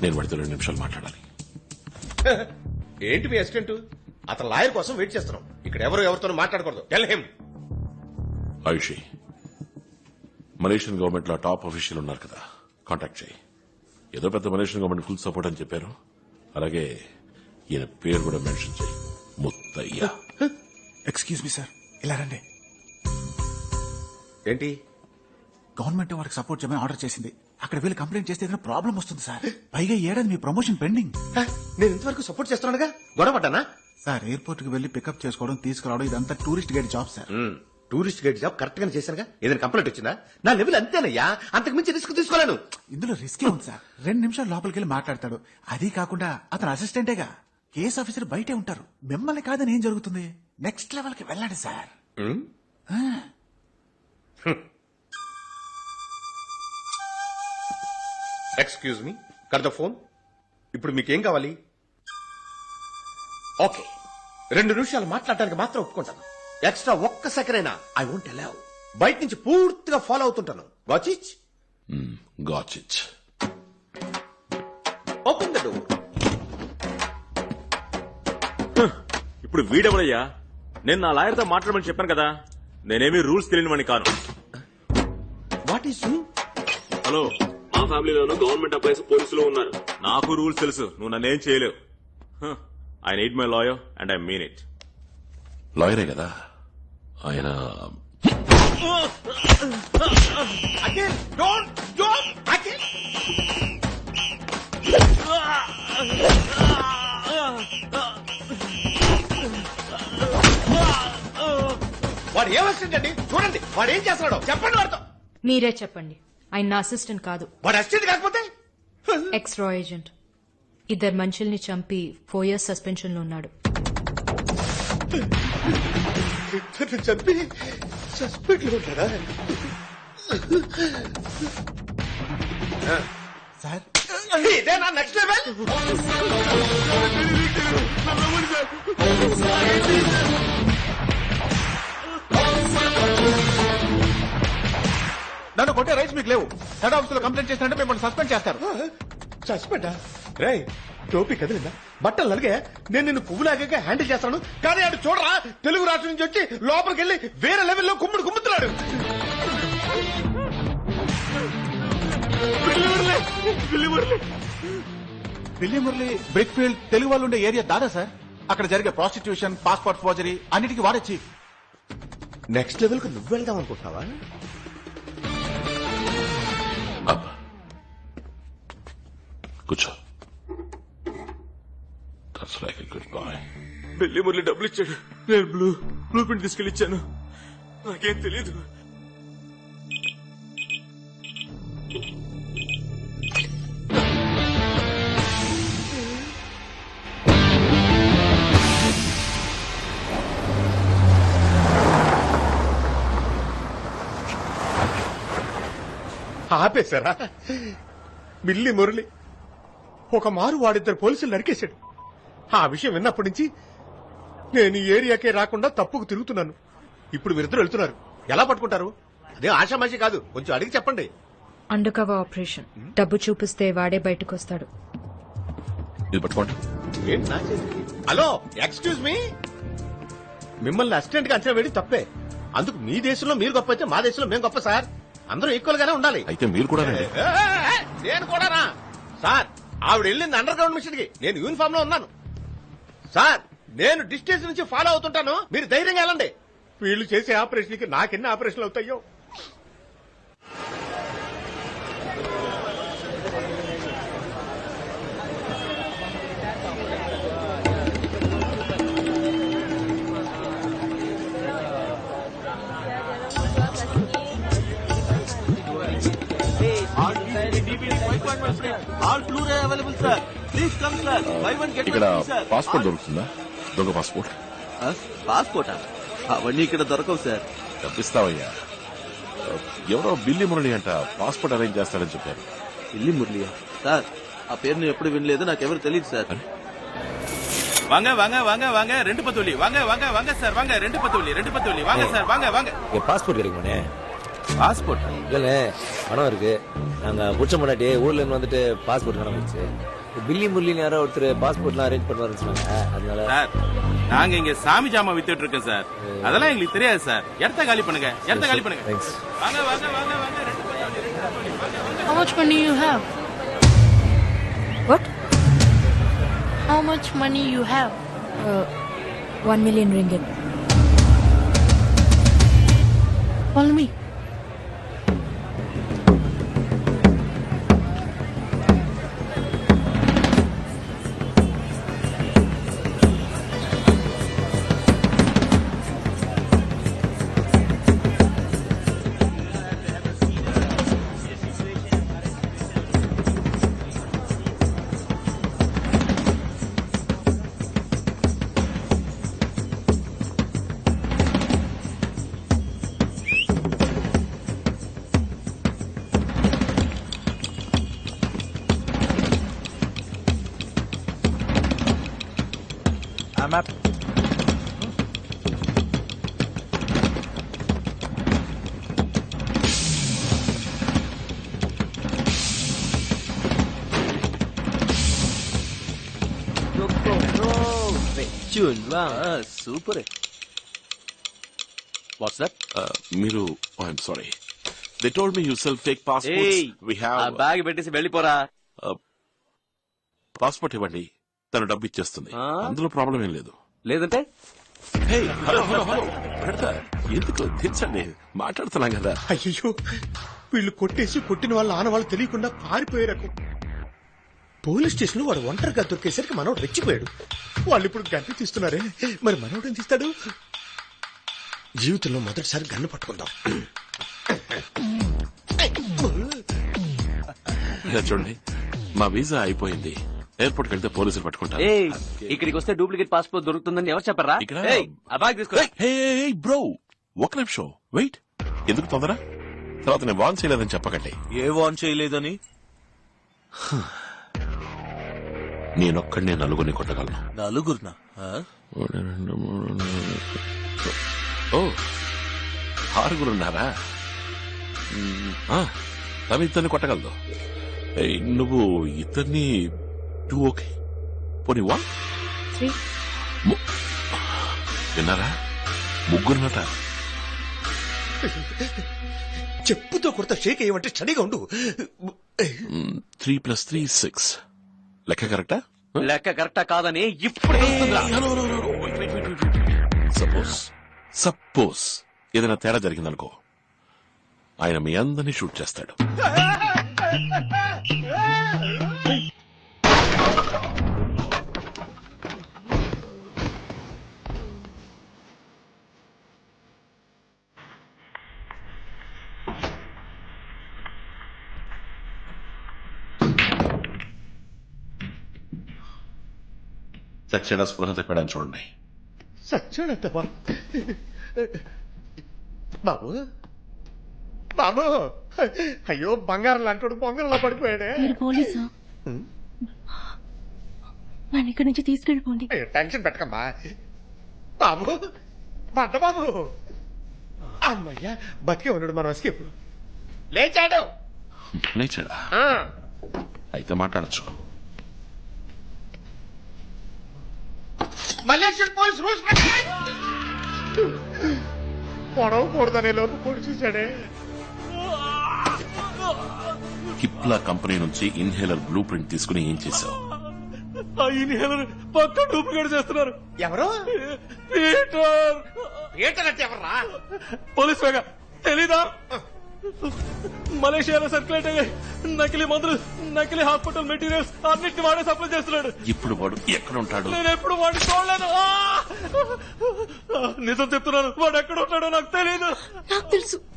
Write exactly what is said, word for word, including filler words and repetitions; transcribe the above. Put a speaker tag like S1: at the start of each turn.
S1: నేను వాడితో రెండు నిమిషాలు మాట్లాడాలి.
S2: ఏంటి మీ అసిస్టెంట్? అతను లాయర్ కోసం వెయిట్ చేస్తున్నాం. ఇక్కడ ఎవరు ఎవరితో మాట్లాడకూడదు. Tell him.
S1: Ayushi, Malaysian government లో టాప్ అఫీషియల్ ఉన్నారు కదా, కాంటాక్ట్ చేయి. ఏదో పెద్ద మలేషియన్ గవర్నమెంట్ ఫుల్ సపోర్ట్ అని చెప్పారు. అలాగే ఈయన పేరు కూడా మెన్షన్ చేయి, ముత్తయ్య.
S3: ఎక్స్క్యూజ్ మీ సార్, ఇలా రండి.
S2: ఏంటి?
S3: గవర్నమెంట్ వారికి సపోర్ట్ చేయమని ఆర్డర్ చేసింది. అక్కడ వీళ్ళు కంప్లైంట్ చేస్తే ఏదైనా ప్రాబ్లం వస్తుంది సార్. పైగా ఏడాది మీ ప్రమోషన్ పెండింగ్.
S2: నేను ఇంతవరకు సపోర్ట్ చేస్తున్నానుగా, గొడవపడ్డానా?
S3: సార్ ఎయిర్పోర్ట్ కి వెళ్లి పికప్ చేసుకోవడం, తీసుకురావడం ఇదంతా tourist guide job sir.
S2: Tourist guide job correct గానే చేశానుగా. ఏదైనా కంప్లైంట్ వచ్చిందా? నా లెవెల్ అంతేనయ్యా, అంతకు మించి రిస్క్ తీసుకోలేను.
S3: ఇందులో రిస్కే ఉంది సార్. రెండు నిమిషాలు లోపలికి వెళ్ళి మాట్లాడతాడు. అది కాకుండా అతను అసిస్టెంటేగా, కేసు ఆఫీసర్ బయటే ఉంటారు. మిమ్మల్ని కాదని ఏం జరుగుతుంది? నెక్స్ట్ లెవెల్ కి వెళ్ళండి sir.
S2: Excuse me, cut the phone. ఇప్పుడు మీకేం కావాలి? ఓకే, రెండు నిమిషాలు మాట్లాడటానికి మాత్రం ఒప్పుకుంటాను. ఎక్స్ట్రా ఒక్క సెకండ్ అయినా ఐ వోంట్ అలౌ. బయట నుంచి పూర్తిగా ఫాలో అవుతుంటాను. గాచిచ్
S1: గాచిచ్.
S2: Open the door.
S4: ఇప్పుడు వీడెవడయ్యా? నేను నా లాయర్ తో మాట్లాడమని చెప్పాను కదా. నేనేమి రూల్స్ తెలియనివని కాను.
S2: What is you?
S4: హలో, మా ఫ్యామిలీలోనూ గవర్నమెంట్ ఎంప్లాయీస్ పోలీసులు ఉన్నారు. నాకు రూల్స్ తెలుసు, నువ్వు నన్నేం చేయలేవు. I need my lawyer and I mean it.
S1: లాయరే కదా ఆయన.
S2: Akhil, don't don't Akhil. వాడు ఏం అసిస్టెంట్ అండి? చూడండి వాడు ఏం చేస్తున్నాడో చెప్పండి. వాడితో
S5: మీరే చెప్పండి. ఆయన నా అసిస్టెంట్ కాదు.
S2: వాడు అసిస్టెంట్ కాకపోతే
S5: ఎక్స్ రా ఏజెంట్. ఇద్దరు మనుషుల్ని చంపి ఫోర్ ఇయర్స్ సస్పెన్షన్ లో ఉన్నాడు.
S2: చంపి సస్పెండ్ లో ఉంటాడా?
S3: సార్
S2: ఇదే నా నెక్స్ట్ లెవెల్.
S3: నన్ను కొట్టే రైట్స్ మీకు లేవు. హెడ్ ఆఫీస్ లో కంప్లైంట్ చేసినట్టు మిమ్మల్ని సస్పెండ్ చేస్తారు.
S2: సస్పెండా? రే టోపీ కదిలిందా? బట్టలు నలిగే నేను నిన్ను పువ్వులాగా హ్యాండిల్ చేస్తాను. కానీ ఆడు చూడరా, తెలుగు రాష్ట్రం నుంచి వచ్చి లోపలికి వెళ్ళి వేరే లెవెల్లో కుమ్ముడు కుమ్ముతున్నాడు.
S3: బిల్లి మురళి బ్రిక్ ఫీల్డ్ తెలుగు వాళ్ళు ఉండే ఏరియా దాదా సార్. అక్కడ జరిగే ప్రాస్టిట్యూషన్, పాస్పోర్ట్ ఫోర్జరీ అన్నిటికీ వాడే చీఫ్.
S2: నెక్స్ట్ లెవెల్ కు నువ్వు వెళ్దాం అనుకుంటున్నావా?
S1: కూర్చో. That's like a good boy.
S4: Billi Murali డబ్బులు ఇచ్చాడు. నేను బ్లూ బ్లూ ప్రింట్ తీసుకెళ్ళి ఇచ్చాను. నాకేం తెలీదు.
S2: ఆపేశారా? బిల్లి మురళి ఒక మారు వాడిద్దరు పోలీసులు నరికేశాడు. ఆ విషయం విన్నప్పటి నుంచి నేను ఈ ఏరియాకే రాకుండా తప్పుకు తిరుగుతున్నాను. ఇప్పుడు వీరిద్దరు వెళ్తున్నారు. ఎలా పట్టుకుంటారు? అదే ఆషామాషి కాదు, కొంచెం అడిగి చెప్పండి.
S5: Undercover operation. డబ్బు చూపిస్తే వాడే బయటకు వస్తాడు.
S1: ఇది పట్టుకోండి.
S2: ఏంటి నా చేతికి? Hello, excuse me. మిమ్మల్ని అసిస్టెంట్ గా అంచనా వేయడం తప్పే. అందుకు మీ దేశంలో మీరు గొప్ప అయితే మా దేశంలో మేము గొప్ప సార్. అందరూ ఈక్వల్ గానే ఉండాలి.
S1: అయితే మీరు కూడా రండి.
S2: ఏ, ఏ, నేను కూడానా సార్? ఆవిడ వెళ్ళింది అండర్ గ్రౌండ్ మిషన్ కి, నేను యూనిఫామ్ లో ఉన్నాను సార్. నేను డిస్టెన్స్ నుంచి ఫాలో అవుతుంటాను, మీరు ధైర్యంగా వెళ్ళండి. వీళ్ళు చేసే ఆపరేషన్ కి నాకెన్ని ఆపరేషన్లు అవుతాయో.
S1: ఇక్కడ పాస్పోర్ట్ దొరుకుతుందా? దొంగ పాస్పోర్ట్.
S6: పాస్పోర్టా? అవన్నీ ఇక్కడ దొరకవు సార్.
S1: తప్పిస్తావయ్యా. ఎవరో బిల్లి మురళి అంట పాస్పోర్ట్ అరేంజ్ చేస్తాడని చెప్పారు.
S6: బిల్లి మురళియా? సార్ ఆ పేరు నేను ఎప్పుడు వినలేదు, నాకెవరు తెలియదు సార్.
S7: வாங்க வாங்க வாங்க வாங்க ரெண்டு பத்தோலி வாங்க வாங்க வாங்க சார் வாங்க ரெண்டு பத்தோலி ரெண்டு பத்தோலி வாங்க சார் வாங்க வாங்க.
S8: பாஸ்போர்ட் கிடைக்குமானே?
S7: பாஸ்போர்ட்
S8: இல்ல பணம் இருக்கு, நாங்க புடிச்ச முன்னாடி ஊர்ல இருந்து வந்துட்டு பாஸ்போர்ட் நடந்துச்சு. பில்லி முல்லின்னு யாரோ ஒருத்தர் பாஸ்போர்ட்லாம் அரேஞ்ச் பண்ணுவாருன்னு சொன்னாங்க. அதனால
S7: சார் நாங்க இங்க சாமி ஜாமா வித்துட்டு இருக்கோம் சார். அதெல்லாம் எங்களுக்கு தெரியாது சார். இடத்த காலி பண்ணுங்க, இடத்த காலி பண்ணுங்க.
S8: தேங்க்ஸ்.
S7: வாங்க வாங்க வாங்க வாங்க ரெண்டு பையன் வந்து, ரெண்டு பையன் வாங்க, வாங்க.
S9: How much money you have?
S5: What?
S9: How much money you have?
S5: Uh, one million ringgit.
S9: Follow me.
S8: I'm up.
S6: Super. What's that?
S1: మీరు I'm sorry they told me you sell fake passports we
S6: uh
S1: have
S6: bag పెట్టేసి వెళ్ళిపోరా.
S1: Passport ఇవ్వండి, తను డబ్బు ఇచ్చేస్తుంది.
S6: ఆ?
S1: అందులో problem ఏం లేదు.
S6: లేదంటే
S1: హే, హలో హలో హలో పెడతా. ఎందుకు తెచ్చండి, మాట్లాడుతున్నాం కదా.
S2: అయ్యో వీళ్ళు కొట్టేసి కొట్టిన వాళ్ళ ఆనవాళ్ళు తెలియకుండా పారిపోయే రకం. పోలీస్ స్టేషన్ లో వాడు ఒంటరిగా దొరికేసరికి మనోడు రెచ్చిపోయాడు. వాళ్ళు ఇప్పుడు గన్ను తీస్తున్నారే, మరి మనోడు ఏం తీస్తాడు? జీవితంలో మొదటిసారి గన్ను పట్టుకుందాం.
S1: ఇలా చూడండి, మా వీసా అయిపోయింది. ఎయిర్పోర్ట్ వెళ్తే పోలీసులు పట్టుకుంటారు.
S6: ఏయ్, ఇక్కడికి వస్తే డూప్లికేట్ పాస్పోర్ట్ దొరుకుతుందని ఎవరు చెప్పరా?
S1: ఇక్కడ?
S6: ఏయ్, ఆ బ్యాగ్ తీసుకో.
S1: హే బ్రో, ఒక నిమిషం వెయిట్. ఎందుకు తొందర? తర్వాత నేను వాన్ చేయలేదని చెప్పకండి.
S6: ఏ వాన్ చేయలేదని?
S1: నేనొక్కడినే నలుగురిని కొట్టగలను.
S6: నలుగురునా?
S1: ఒకటి, రెండు, మూడు, నాలుగు. ఓ ఆరుగురున్నారా? మ్, ఆ, తను ఇద్దరిని కొట్టగలదు. ఏయ్, నువ్వు ఇద్దరిని టూ ఓకే పోనీ వన్
S5: Three.
S1: విన్నారా? ముగ్గురున్నట.
S2: చెప్పుతో కొడతా షేక్ అయ్యమంటే స్టడీగా ఉండు.
S1: Three plus three six. లెక్క కరెక్టా?
S6: లెక్క కరెక్టా కాదని ఇప్పుడు తెలుస్తుందా?
S1: సపోజ్ సపోజ్ ఏదైనా తేడా జరిగిందనుకో, ఆయన మీ అందరినీ షూట్ చేస్తాడు. సచ్చేడ స్పృహ తప్పాడని చూడండి.
S2: సచ్చాడంట బాబు. బాబు అయ్యో బంగారం లాంటి బొంగరంలో పడిపోయాడే.
S9: మీరు పోలీసా? మన ఇక్కడి నుంచి తీసుకెళ్ళిపోండి.
S2: అయ్యో, టెన్షన్ పెట్టకమ్మా బాబు. బంట బాబు అమ్మయ్యా, బతికే ఉన్నాడు. మనం ఎస్కేప్. లేచాడు.
S1: లేచాడా?
S2: ఆ.
S1: అయితే మాట్లాడచ్చు.
S2: మలేషియన్ పోలీస్ రూల్స్ పొడవకూడదనే లోపు పొడి చూశాడే.
S1: కిప్లా కంపెనీ నుంచి ఇన్హేలర్ బ్లూ ప్రింట్ తీసుకుని ఏం చేశావు?
S2: ఇన్హేలర్ పక్క డూప్లికేట్ చేస్తున్నారు. ఎవరు? పీటర్. పీటర్ అంటే ఎవర్రా? పోలీస్ వేగా తెలీదా? మలేషియాలో సర్క్యులేట్ అయ్యే నకిలీ మందులు, నకిలీ హాస్పిటల్ మెటీరియల్స్ అన్నిటిని వాడే సప్లై చేస్తున్నాడు.
S1: ఇప్పుడు వాడు ఎక్కడ ఉంటాడు?
S2: నేను ఎప్పుడు వాడిని చూడలేదు. ఆ! నిజం చెప్తున్నాను, వాడు ఎక్కడ ఉంటాడో నాకు తెలియదు.
S9: నాకు తెలుసు.